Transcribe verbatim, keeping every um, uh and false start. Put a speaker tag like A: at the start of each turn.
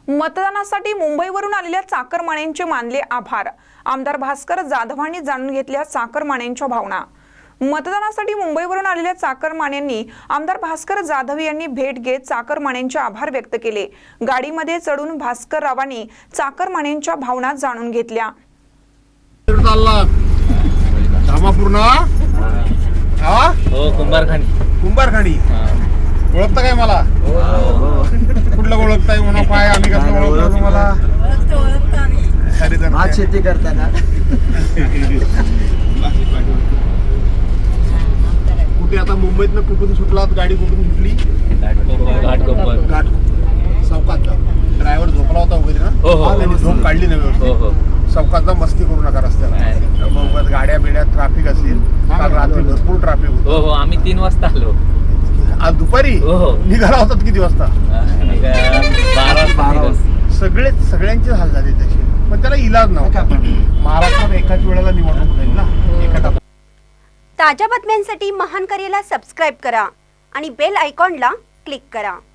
A: मतदानासाठी मुंबईवरून आलेल्या चाकरमान्यांचे मानले आभार। आमदार भास्कर जाधवांनी जाणून घेतल्या चाकरमान्यांच्या भावना। मतदानासाठी मुंबईवरून आलेल्या चाकरमान्यांनी आमदार भास्कर जाधव यांनी भेट घेत चाकरमान्यांचे आभार व्यक्त केले। गाडीमध्ये चढून भास्कर रावांनी चाकरमान्यांच्या भावना जाणून घेतल्या।
B: हो कुंभारखानी
C: कुंभारखानी ओळखता काय मला? कुठलं ओळखताय म्हणा काय आम्ही कसं ओळखतो तुम्हाला?
D: भात शेती करताना
C: कुठे आता मुंबईतनं कुठून सुटलात? गाडी कुठून सुटली?
B: घाटकोपर
C: घाट चौकात ड्रायव्हर झोपला होता वगैरे ना?
B: हो, हो.
C: त्यांनी झोप काढली नाही व्यवस्थित.
B: हो हो
C: चौकातला मस्ती करू नका रस्त्याला। मुंबईत गाड्या बिड्या ट्रॅफिक असेल, काल रात्री भरपूर ट्रॅफिक
B: हो
C: होतं।
B: हो आम्ही तीन वाजता आलो।
C: आज दुपारी
B: हो हो
C: निघाला होतात किती वाजता?
B: बारा वाजता निघालो.
C: सगळे सगळ्यांचे हाल झाले तसे, पण त्याला इलाज नव्हता। महाराष्ट्रात एकाच वेळेला निवडणूक होईल ना एका टप्प्यात।
E: ताज्या बातम्यांसाठी महान करेला सबस्क्राईब करा आणि बेल आयकॉनला क्लिक करा।